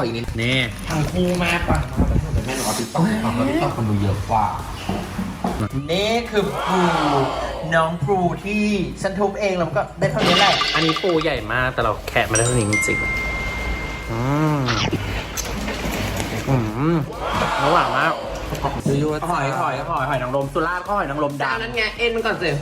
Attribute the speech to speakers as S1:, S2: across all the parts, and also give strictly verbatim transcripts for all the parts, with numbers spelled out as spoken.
S1: อีกนิด
S2: นี่
S1: ทั้งคู่แม่ปังมากแต่แม่หนูเอาติ๊กต็อกฟังแล้วติ๊กต็อกคนดูเยอะกว่านี่คือปูน้องปูที่ฉันทุบเองแล้วก็ได้เท่านี้แหละ
S2: อันนี้ปูใหญ่มากแต่เราแคะมาได้เท่านี้จริงๆอืมอืมระหว่างมากดูยูหอยหอยหอยหอยนางรมสุราษฎร์ก็หอยนางรม
S1: จาน
S2: ดำ
S1: นั้นไงเอ็นมันก่อนสิ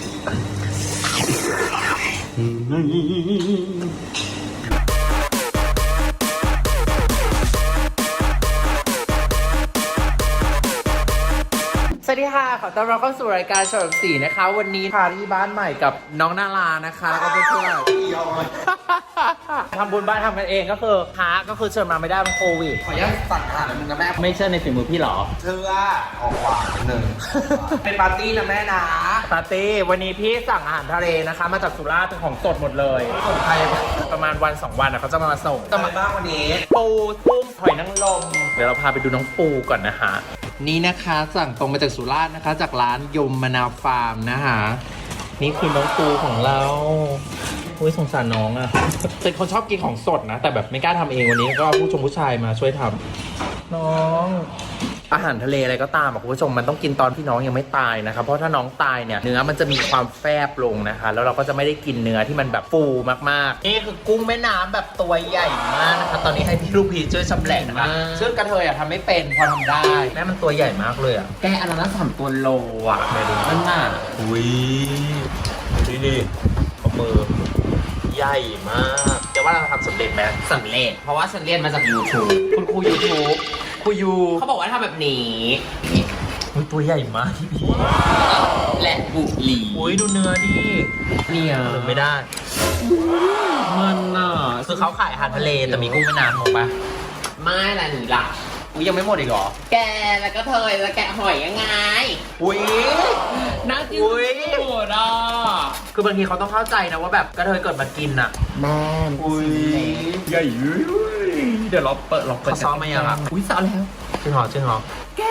S1: สวัสดีค่ะขอต้อนรับเข้าสู่รายการเฉลิมศรีนะคะวันนี้พาที่บ้านใหม่กับน้องนารานะคะแล้วก็เพื่อนๆทำบุญบ้านทำกันเองก็คือพระก็คือเชิญมาไม่ได้มันโควิดขออนุญาตสั่งอาหารนึงนะแม่
S2: ไม่เชื่อในฝีมือพี่หรอ
S1: เชื่อออกหวานหนึ่งเป็นปาร์ตี้นะแม่นะ
S2: ปาร์ตี้วันนี้พี่สั่งอาหารทะเลนะคะมาจากสุราษฎร์เป็นของสดหมดเลย
S1: ส่งใคร
S2: ประมาณวันสองวันนะเขาจะมาส่ง
S1: จะมาบ้างวันนี้
S2: ปูกุ้งหอยนางรมเดี๋ยวเราพาไปดูน้องปูก่อนนะคะนี่นะคะสั่งตรงมาจากสุราษฎร์นะคะ จากร้านยมมะนาวฟาร์มนะคะนี่คือน้องปูของเราอุ้ยสงสารน้องอะ เป็นคนชอบกินของสดนะ แต่แบบไม่กล้าทำเองวันนี้ก็ผู้ชมผู้ชายมาช่วยทำน้องอาหารทะเลอะไรก็ตามคุณผู้ชมมันต้องกินตอนที่น้องยังไม่ตายนะครับเพราะถ้าน้องตายเนี่ยเนื้อมันจะมีความแฟบลงนะคะแล้วเราก็จะไม่ได้กินเนื้อที่มันแบบฟูมากๆนี่คือกุ้งแม่น้ำแบบตัวใหญ่มากนะคะตอนนี้ให้พี่ลูกพีช่วยชำแหละนะคะซึ่งกระเทยอะทำไม่เป็นพอทำได้แม่มันตัวใหญ่มากเลยอะ
S1: แกอันนั้นสามตัวโลอ่ะ
S2: ไม่รู้
S1: นั่นน่ะ
S2: อุ้ยดูดิขอมือใหญ่มากจะว่าเราทำสำเร็จไหม
S1: สำเร็จเพราะว่าฉันเรียนมาจาก YouTube
S2: คุณครูยูทูบครูยู
S1: เขาบอกว่าทำแบบนี้
S2: อุ้ยตัวใหญ่มากที่พี่
S1: และบุหรี่
S2: อุ้ยดูเนื้อดิ
S1: เนี่ย
S2: ลืมไม่ได้
S1: มันน่ะ
S2: คือเขาขายอาหารทะเลแต่มีกุ้งแม่น้ำถูกปะ
S1: ไม่ละหนีล่ะ
S2: อุ้ยยังไม่หมดอีกเหรอ
S1: แกแล้วก็เธอแล้วแกะหอยยังไง
S2: อุ้ย
S1: น่ากิน
S2: อุ๊ย
S1: สุดอ่ะ
S2: คือบางทีเขาต้องเข้าใจนะว่าแบบกระเทยเกิดมากินอ่ะ
S1: แม่
S2: อุ้ยใหญ่เดี๋ยวเราเปิดเราเปิด
S1: เขาซ้อมมายังอ่ะอุ้ยซ้อมแล้ว
S2: จริงเหรอจริงเหรอ
S1: แก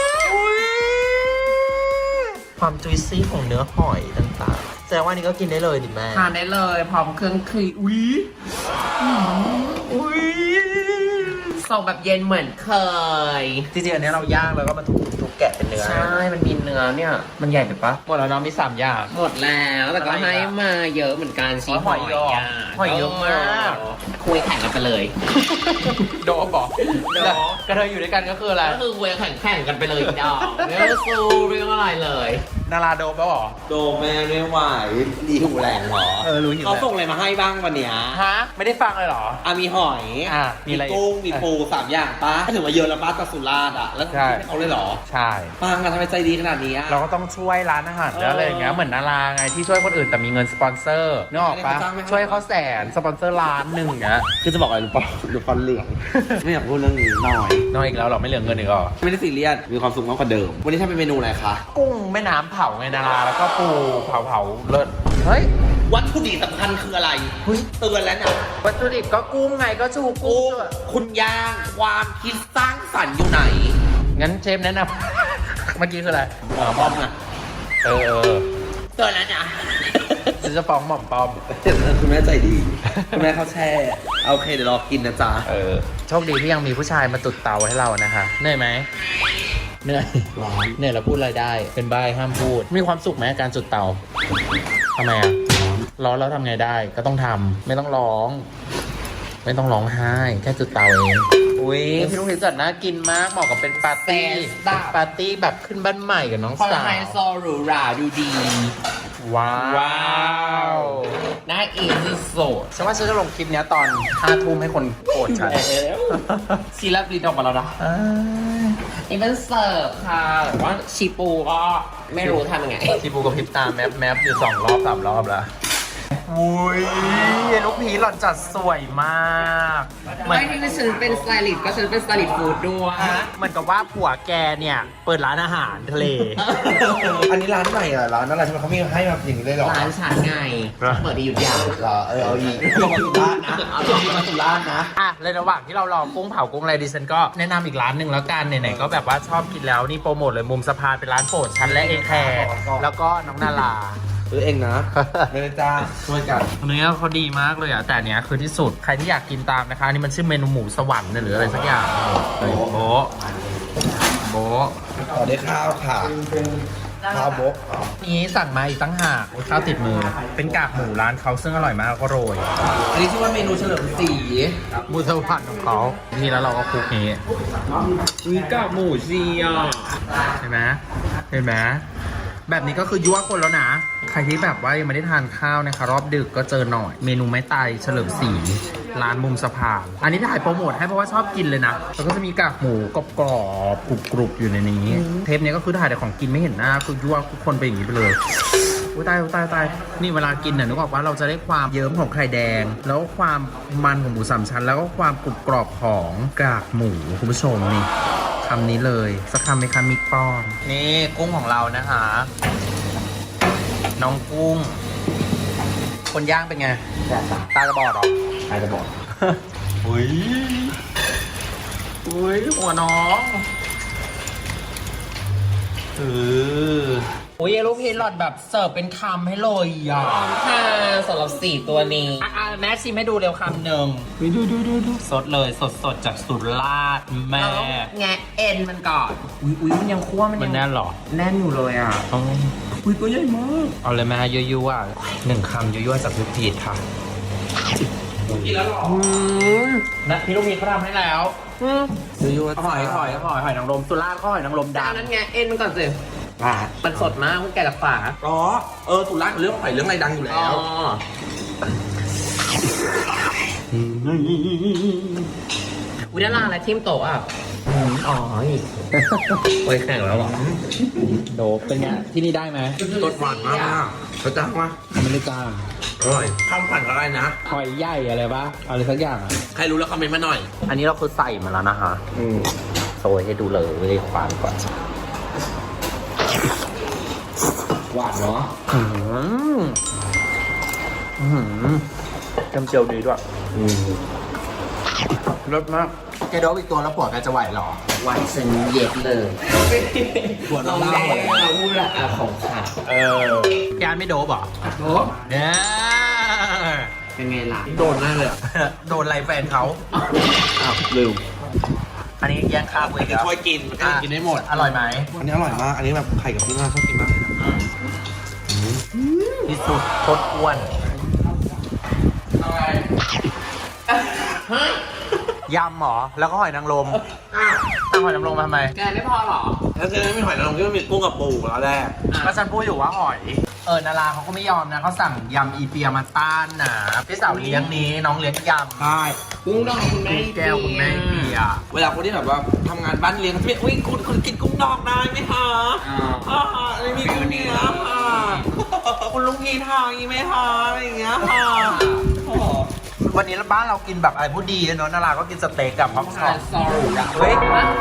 S2: ความจุยซี่ของเนื้อหอยต่างๆแสดงว่านี่ก็กินได้เลยดิแม่
S1: ทานได้เลยพร้อมเครื่องครีอุ้ย
S2: อุ้ย
S1: ส่งแบบเย็นเหมือนเคย
S2: จริงๆอันนี้เราย่างแล้วก็มาทุบทุบแกะเป็นเนื้อ
S1: ใช่ มันมีเนื้อเนี่ย มันใหญ่ไปปะ
S2: หมดแล้วเนาะมีสามอย่าง
S1: หมดแล้วแต่ก็
S2: อะไรอีกอะ
S1: ให้มาเยอะเหมือนกันชี
S2: อ๋อหอยเยอะ
S1: ะ
S2: หอยเยอะมาก
S1: คุยแข่งกันไปเลย
S2: โดบบอก
S1: โดบ
S2: กระเทยอยู่ด้วยกันก็คืออะไร
S1: ก็คือคุยแข่งแข่งกันไปเลยดอกไม่ต้องสู้เรื่องอะไรเลย
S2: นาราโดบแล้วเหรอ
S3: โดแม่ไม่ไหวดีหูแหลงเหรอ
S2: เออรู้อยู่
S3: เขา
S2: แล้ว
S3: ส่งอะไรมาให้บ้างวันเนี้ย
S2: ฮะไม่ได้ฟังเลยเหรอ
S3: อ่ะมีหอย
S2: อ่ะมี
S3: มี
S2: อะไรอีก
S3: กุ้งมีปูสามอย่างป้าถือว่าเยอะแล้วป้าจากสุราษฎร์อ่ะแล้ว
S2: ใช่
S3: ให้เขาเลยเหรอ
S2: ใช่
S3: ป้ามาทำไมใจดีขนาดนี้อะ
S2: เราก็ต้องช่วยร้านอาหารแล้วอะไรอย่างเงี้ย
S3: เออ
S2: เหมือนนาราไงที่ช่วยคนอื่นแต่มีเงินสปอนเซอร์นึกออกปะ
S3: ไม่ได้เขาจ้างไหม
S2: ช่วยเขาแสนสปอนเซอร์ล้านหนึ่งเงี้ย
S3: คือจะบอกอะไรรู้ป่ะดูฟันเหลือง ไม่อยากพูดเรื่องนี้หน่อย
S2: น้อยอีกแล้วเหรอไม่เหลือเงินอีกเหรอ
S3: ไม่ได้ซีเรียสมีความสุขมากกว่าเดิม วันนี้ทำเป็นเมนูอะไรคะ
S2: กุ้งแม่น้ำเผาไงนาราแล้วก็ปูเผาเผาๆเลิศเฮ้ย
S3: วัตถุดิบสำคัญคืออะไร
S2: เฮ้ย
S3: เตือนแล้วนะ
S2: วัตถุดิบก็กุ้งไงก็ชูกุ้
S3: กุ้
S2: ง
S3: งคุณย่างความคิดสร้างสรรค์อยู่ไหน
S2: งั้นเชฟแนะนำ เมื่อกี้คืออะไร
S3: หมอป้อมอะ
S2: เออเออ
S3: เตือนแล้วนะ
S2: ฉันจะฟ้องหม่อมป้อม
S3: คุณแม่ใจดี คุณแม่เขาแช่โอเคเดี๋ยวรอกินนะจ๊ะ
S2: เออโชคดีที่ยังมีผู้ชายมาตุดเตาให้เรานะคะเหนื่อยไหมเหนื่อย
S3: ร้อน
S2: เหนื่อยแล้วพูดอะไรได้ เป็นใบห้ามพูด มีความสุขไหมการจุดเตาทำไมอ่ะร้อนแล้วทำไงได้ก็ต้องทำไม่ต้องร้อง ไม่ต้องร้องไห้แค่จุดเตาเองอุ้ยพี่ลูกพิจัดน่ากินมากเหมาะกับเป็นปาร์ตี้
S1: แซ่บดับ
S2: ปาร์ตี้แบบขึ้นบ้านใหม่กับน้อง
S1: คอน
S2: สา
S1: ไฮ
S2: ว
S1: โซหรูหราดูดี
S2: ว้าว
S1: ว้าว น่าอินที่สุด
S2: ฉันว่าฉันจะลงคลิปเนี้ยตอนห้าทุ่มให้คนโกรธฉัน
S1: ซีรับรีดออกมาแล้วนะ
S2: อ่า
S1: นี่เป็นเสิร์ฟค่ะแต่ว่าชีปูก็ไม่รู้ทำยังไง
S2: ที่ปูกับพริบตาแมปแมปอยู่สองรอบสามรอบแล้วอุ้ยลูกพีหล่อนจัดสวยมากเหมือน
S1: ไม่ที่ฉันเป็นสไตลิสต์ก็ฉันเป็นสไตลิสต์ฟู้ดด้วย
S2: เหมือนกับว่าผัวแกเนี่ยเปิดร้านอาหารทะเล
S3: อันนี้ร้านใหม่เหรอร้านอะไรทำไมเขามีให้มาอย่างนี้เลยเหรอ
S1: ร้านฉันไง
S2: เหรอ
S1: เปิดที่อยุธยา
S3: เหรอเออเอาอีกเอามาสุราษฎร์นะ
S1: เอา
S3: เอามาสุราษฎร์นะ
S2: อ่ะในระหว่างที่เรารอกุ้งเผากุ้งอะไรดิฉันก็แนะนำอีกร้านหนึ่งแล้วกันไหนๆก็แบบว่าชอบกินแล้วนี่โปรโมทเลยมุมสะพานเป็นร้านโปรดฉันและเอแคร์แล้วก็น้องนารา
S3: ซื้อเองนะ ไม่ได้จ้างช่วยกัน
S1: เนื้อเขาดีมากเลยอ่ะ แต่อันเนี้ยคือที่สุด ใครที่อยากกินตามนะคะอันนี่มันชื่อเมนูหมูสวรรค์เนี่ยหรืออะไรสักอย่างเฮ้ยโบะโบะ
S3: ขอได้ข้าวค่ะ ข้าวโบก
S1: นี้สั่งมาอีกตั้งหากข้าวติดมือ เป็นกากหมูร้านเขาซึ่งอร่อยมากก็โรย
S3: อันนี้ชื่อว่าเมนูเฉลิมศรี
S1: หมูสวรรค์ของเขานี่แล้วเราก็คลุกนี้
S3: มีกากหมูซีอ่ะ
S1: เห็นไหมเห็นไหมแบบนี้ก็คือยั่วคนแล้วนะ ใครที่แบบว่ายังไม่ได้ทานข้าวนะคะ รอบดึกก็เจอหน่อย เมนูไม้ตายเฉลิมศรีร้านมุมสะพานอันนี้ถ่ายโปรโมทให้เพราะว่าชอบกินเลยนะ แล้วก็จะมีกากหมูกรอบๆกรุบๆอยู่ในนี้ เทปนี้ก็คือถ่ายแต่ของกินไม่เห็นหน้าคือยั่วทุกคนไปอย่างนี้ไปเลยอุ้ยตายอุ้ยตายตายนี่เวลากินน่ะนึกออกว่าเราจะได้ความเยิ้มของไข่แดง แล้วความมันของหมูสามชั้น แล้วก็ความกรุบกรอบของกากหมูคุณผู้ชมนี่คำนี้เลยสักคำไหมคะมิกป้อนนี่กุ้งของเรานะคะน้องกุ้ง คนย่างเป็นไงตาจะบอดหรอตาจะบอดอุ้ยอุ้ยหัวน้องเออโอ้ยลูกพีหลอดแบบเสิร์ฟเป็นคำให้เลยอ่ะค่ะสำหรับสี่ตัวนี้อ่ะแม่ชิมให้ดูเร็วคำหนึ่งดูดูดูดูสดเลยสดสดจากสุราษฎร์แม่แงะเอ็นมันก่อนอุ้ยอุ้ยมันยังคั่วมันยังแน่นหรอแน่นอยู่เลยอ่ะอุ้ยตัวใหญ่มากเอาเลยแม่ยั่วๆหนึ่งคำยั่วๆจากลูกพีค่ะกินแล้วหรอนะพี่ลูกพีเขาทำให้แล้วยั่วๆหอยหอยหอยหอยนางรมสุราษฎร์ก็หอยนางรมดำนั่นไงเอ็นมันก่อนสิมันสดมากคุณแกรักษา
S3: อ๋อ เออสุราษฎร์เรื่องหอยเรื่องอะไรดังอยู่แล้ว
S1: วิดาราอะไรทิมโตะอ่ะอ๋อโอ้ยแข่งแล้วหรอโดเป็นไงที่นี่ได้ไหม
S3: รสหวานมากเขาจ้างมา
S1: ไม่ได้จ้าง
S3: อร่อยข้าวผัดอะไรนะ
S1: หอยใหญ่อะไรปะอะไรสักอย่างอ่ะ
S3: ใครรู้แล้วคอมเมนต์มาหน่อย
S1: อันนี้เราคือใส่มาแล้วนะคะอืมโซยให้ดูเลยควานก่อนหวานเนาะอืมอืมจำเจียวดีด้วยอืมรสมากแกโดบอีกตัวแล้วปวดแกจะไหวหรอไหวเซนเย็ดเลยปวดเราแดงเราพูดละของขาดเออยานไม่โดบหรอโดบเนี่ยเป็นไงล่ะ
S3: โดนแน่เลย
S1: โดนอะไรแฟนเขา
S3: อ้าวลืม
S1: อันนี้แย่งข้าวเลย
S3: จะช่วยกินมันก็กินได้หมด
S1: อร่อยไหม
S3: อันนี้อร่อยมาก อันนี้แบบไข่กับพี่มาชอบกินมากเลยนะ
S1: ที่สุดโคตรอ้วนยำหรอ แล้วก็หอยนางรมตั้งหอยนางรมมาทำไม แกไม่พอหรอ
S3: แล้วจะไม่หอยนางรมก็มีกุ้งกับปูแล้วแรก
S1: ก็ฉันพูดอยู่ว่าหอย เออนาราเขาก็ไม่ยอมนะเขาสั่งยำอีเปียมาต้านนะพี่สาวเลี้ยงนี้น้องเลี้ยงยำ
S3: ใช่กุ้งดองคุณแม่
S1: แก้วคุณแม่เปีย
S3: เวลาคนที่แบบว่าทำงานบ้านเลี้ยงเขาจะไม่อุ้ยคุณคุณกินกุ้งดองได้ไหมคะอ่าไม่มีกุ้งเนื้อค่ะคุณลุงยีทางยีไหมคะอะไรอย่างเงี้ยค่ะ
S1: วันนี้บ้านเรากินแบบอะไรพูดดีเนาะนาราก็กินสเต็กกับพ็อปคอร์นเฮ้ย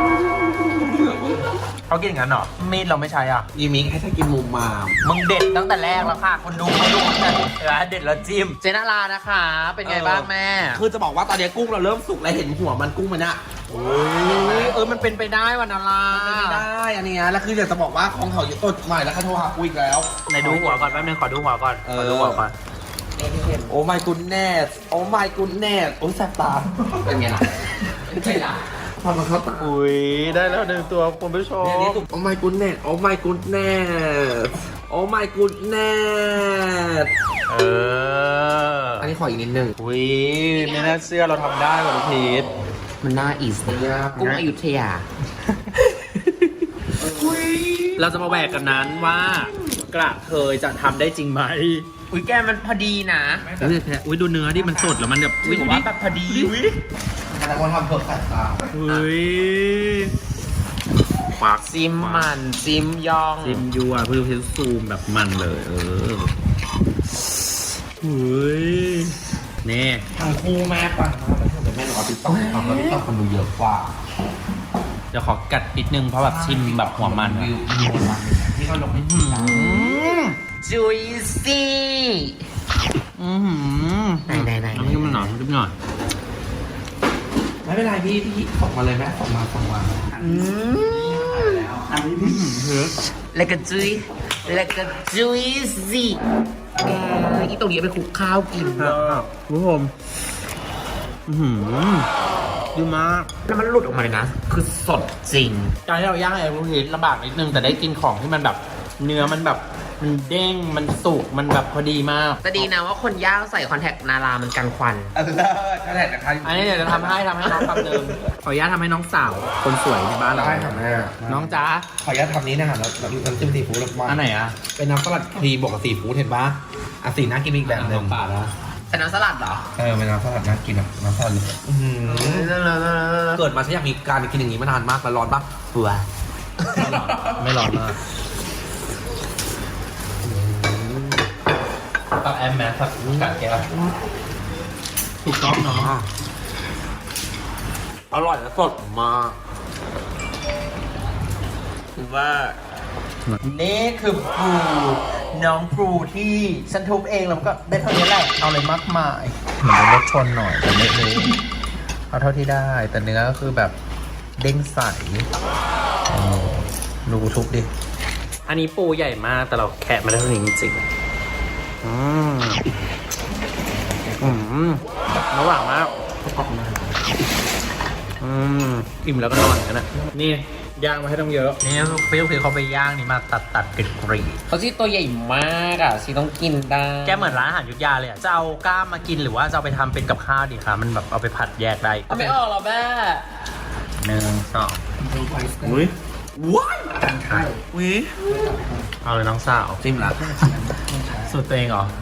S1: เขากินอย่างนั้นเหรอมีดเราไม่ใช้อ่ะ
S3: ยีมิงให้ถ้ากินมุมมาม
S1: มึงเด็ดตั้งแต่แรกแล้วค่ะคนดูเขาดูกันเด็ดแล้วจิ้มเจนารานะคะ เป็นไงบ้างแม่
S3: คือจะบอกว่าตอนนี้กุ้งเราเริ่มสุกแล้วเห็นหัวมันกุ้งมันอะโอ้ย
S1: เออมันเป็นไปได้วันนารา
S3: ไม่ได้อันเนี้ยแล้วคืออยากจะบอกว่าของเขาอยู่ต้นใหม่แล้วเขาโทรหากูอีกแล้ว
S1: ไหนดูหัวก่อนแป๊บนึงขอดูหัวก่อน
S3: เออ
S1: ขอดูหัวก่อน
S3: โอ้ my goodness โอ้ my goodness โอ้ยแสบตา
S1: เป็นไงล่ะเป็นไงล่ะ
S3: ทำมาเข้าตา
S1: อุ้ยได้แล้วหนึ่งตัวคุณผู้ชม
S3: เนี่ยนี่ตุ่มโอ้ my goodness โอ้ my goodness โอ้ my goodness
S1: เออ
S3: อันนี้ขออีกนิดนึง
S1: อุ้ยไม่น่าเชื่อเราทำได้ว่ะลูกพีท
S3: มันน่าอีสเนี่ย
S1: กุ้งอยุธยาเราจะมาแหวกกันนั้นว่ากระเทยจะทำได้จริงไหมอุ้ยแกมันพอดีนะอุ้ยดูเนื้อที่มันสดแล้วมันแบบอุ้ยดูว่าแบบพอดีอุ้ย
S3: แต่คนทำเพิกแสบตา
S1: อุ้ยปากซิมมันซิมยองซิมยัวเพื่อเพื่อซูมแบบมันเลยเอออุ้ยนี่
S3: ทางคู่แม่ปังมากแต่แม่หนูเอาติ๊กต็อกทำแล้วติ๊กต็อกคนดูเยอะกว่า
S1: เดี๋ยวขอกัดนิดนึงเพราะแบบชิมแบบหัวมัน
S3: วิววิวมันที่เขาลงให้
S1: จุยซี่อือหือไหนไหนไหนน้ำจิ้มหน่อยน้ำจิ้มหน่อย
S3: ไม่เป็นไรพี่พี่ส่งมาเลยแม่ส่งมาส่งมา
S1: อืม
S3: อันนี้พี่
S1: แล้วก็จุยแล้วก็ juicy แกอีตรงนี้ไปคลุกข้าวกิน
S3: คุณผู้ชมอือหือดีมาก
S1: แล้วมันหลุดออกมาเลยนะ คือสดจริง
S2: การที่เราย่างไอ้ลูกชิ้นลำบากนิดนึงแต่ได้กินของที่มันแบบเนื้อมันแบบมันเด้งมันสุกมันแบบพอดีมาก
S1: แต่ดีนะว่าคนย่างใส่คอนแทคนารามันกันควัน
S3: อันเลิศขนาดนะคะ
S2: อันนี้เดี๋ยวจะทำให้ทำให้น้องคำหนึ่งขออนุญาตทำให้น้องสาวคนสวยในบ้านเรา
S3: ได้ค่ะแม่
S2: น้องจ้า
S3: ขออนุญาตทำนี้นะคะน้ำน้ำจิ้มซีฟู้ดมา
S2: อันไหนอ่ะ
S3: เป็นน้ำสลัดครีมบวกกับซีฟู้ดเห็นปะอ่ะสีน่ากินอีกแบบหนึ่ง
S2: ป่าแล้ว
S1: แต่น้ำสลัดเหรอ
S3: เออเป็นน้ำสลัดน่ากินอ่ะน้ำสลัดอื้อหือเกิดมาฉันอยากมีการกินอย่างนี้มานานมากแล้วร้อนปะ
S1: ปัว
S2: ไม่ร้อนมากตักแอมแมสตักกัดแก้วถูกต้องเนาะ
S3: อร่อยและสดมากคือว่า
S2: นี่คือปูน้องปูที่ฉันทุบเองแล้วก็ได้เท่านี้แหละเอาเลยมากมายเหมือนรถชนหน่อยแต่ไม่เลยเอาเท่าที่ได้ แต่เนื้อก็คือแบบเด้งใสโอ้ดูทุบดิ อันนี้ปูใหญ่มากแต่เราแคะมาได้เท่านี้จริงๆอืมอืมระหว่างมากอืมอิ่มแล้วก็นอนกันนะนี่ย่างมาให้ต้องเยอะ นี่เปรี้ยวคือเขาไปย่างนี่มาตัดตัดกรีดกรีด
S1: เขาที่ตัวใหญ่มากอ่ะชีต้องกินได้
S2: แกเหมือนร้านอาหารยุทธยาเลยอ่ะ จะเอากล้ามมากินหรือว่าจะเอาไปทำเป็นกับข้าวดีคะมันแบบเอาไปผัดแยกได้
S1: เอาไม่ออกหรอแม่
S2: หนึ่งสอง
S3: อุ้ยว้ายอุ้ย
S2: เอาเลยน้องสาว
S3: จิ้มละ
S2: สูตรตัวเองเหรอ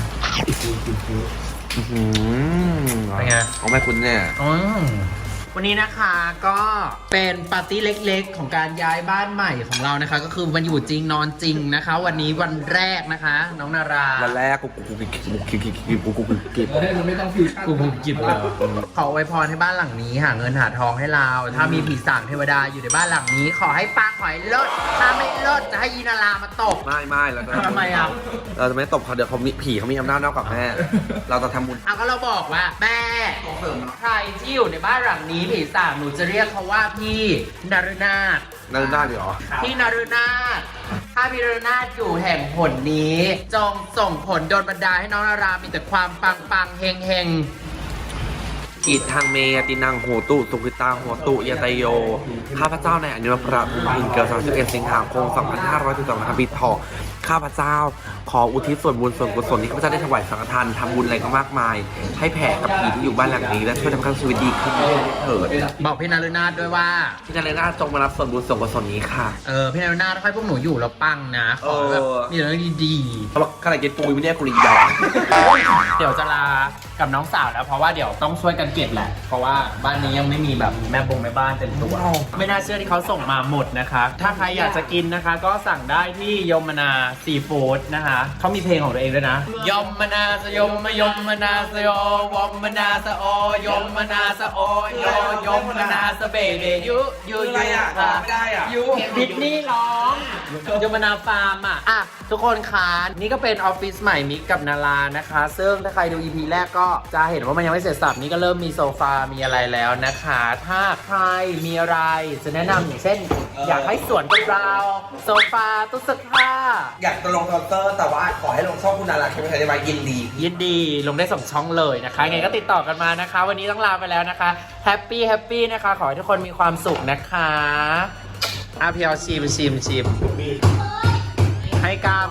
S3: อื้อหือ
S2: เป็นไง
S3: เอาแม่คุณเนี่ย
S2: อืมวันนี้นะคะก็เป็นปาร์ตี้เล็กๆ ของการย้ายบ้านใหม่ของเรานะคะ ก็คือวันอยู่จริงนอนจริงนะคะ วันนี้วันแรกนะคะ น้องนารา
S3: วันแรกกูกูกูกูกูกูกูกูกูกู
S2: กูภูมิกิจเลยขออวยพรให้บ้านหลังนี้หาเงินหาทองให้เรา ถ้ามีผีสางเทวดาอยู่ในบ้านหลังนี้ ขอให้ปังขอให้เลิศถ้าไม่เลิศจะให้ยีนารามาตก
S3: ไม่ไม่แล้ว
S2: ทำไมอ่ะ
S3: เราจะไม่ตบเขาเดี๋ยวเขามีผีเขามีอำนาจนอกกับแม่ เราจะทำบุญ
S1: เอาก็เราบอกว่าแม่ใครที่อยู่ในบ้านหลังนี้ผีสางหนูจะเรียกเขาว่าพี่นรนาถ
S3: นั่นได้เหรอ
S1: พี่นรนาถถ้าพี่นรนาถอยู่แห่งผลนี้ จงส่งผลโดนบันดาลให้น้องนารามีแต่ความปังปังๆเฮงเฮง
S3: กิจทางเมยตินังโหตุสุขิตาโหตุยตโย ข้าพเจ้าในอนุพระภูมิเกิดสามสิบเอ็ดสิงหาคมสองพันห้าร้อยสิบสองนะครับปีเถาะข้าพเจ้าขออุทิศส่วนบุญส่วนกุศลที่ข้าพเจ้าได้ถวายสังฆทานทำบุญอะไรก็มากมาย ให้แผ่กับผีที่อยู่บ้านหลังนี้ และช่วยทำให้ชีวิตดีขึ้นเถิด
S1: ๆบอกพี่นรนาถด้วยว่า
S3: ที่นั่นเลยน่าจงมารับส่วนบุญส่วนกุศลนี้ค่ะ
S1: เออพี่นรนาถค่อยพวกหนูอยู่แล้วปังนะขอแบบ
S3: เออ
S1: มีแต่เรื่องดี
S3: เขาบอกขนาดกินปูยังไม่ได้กุลีดอก
S2: เดี๋ยวจะลากับน้องสาวแล้วเพราะว่าเดี๋ยวต้องช่วยกันเก็บแหละ เพราะว่าบ้านนี้ยังไม่มีแบบแม่บงแม่บ้านเต็มตัว ไม่น่าเชื่อที่เขาส่งมาหมดนะคะ ถ้าใครอยากจะกินนะคะ ก็สั่งได้ที่ยมนาซีฟู้ดนะคะเขามีเพลงของตัวเองด้วยนะยมนาสยมมยมนาสโยวมนาสโอยมนาสโอยยมนาสเบเดยุยุยุค่ะยุดิสนีย์ร้องยมนาฟาร์มอ่ะอ่ะทุกคนคะนี่ก็เป็นออฟฟิศใหม่มิกกับนารานะคะ ซึ่งถ้าใครดู อี พี แรกก็จะเห็นว่ามันยังไม่เสร็จสับนี่ก็เริ่มมีโซฟา มีอะไรแล้วนะคะ ถ้าใครมีอะไรจะแนะนำอย่างเช่น อยากให้สวนกับเรา โซฟาตู้เสื้อผ้า
S3: อยากจะลงเคาน์เตอร์แต่ว่าขอให้ลงช่องคุณนาราใช่ไหมคะได้ไหมยินดี
S2: ยินดีลงได้สองช่องเลยนะคะไงก็ติดต่อกันมานะคะ วันนี้ต้องลาไปแล้วนะคะแฮปปี้แฮปปี้นะคะ ขอให้ทุกคนมีความสุขนะคะอาพี่เอาชิมชิมชิมให้กล้าม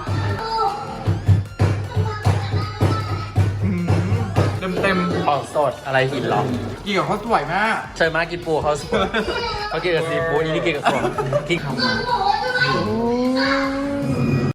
S2: เต็มเต็มของสดอะไรหินหรอ
S3: กินกับข้าวสวยมาก
S2: เชิญมากินปูเขาสดเขากินกับซีฟู้ดนี่กินกับสดที่ทำมา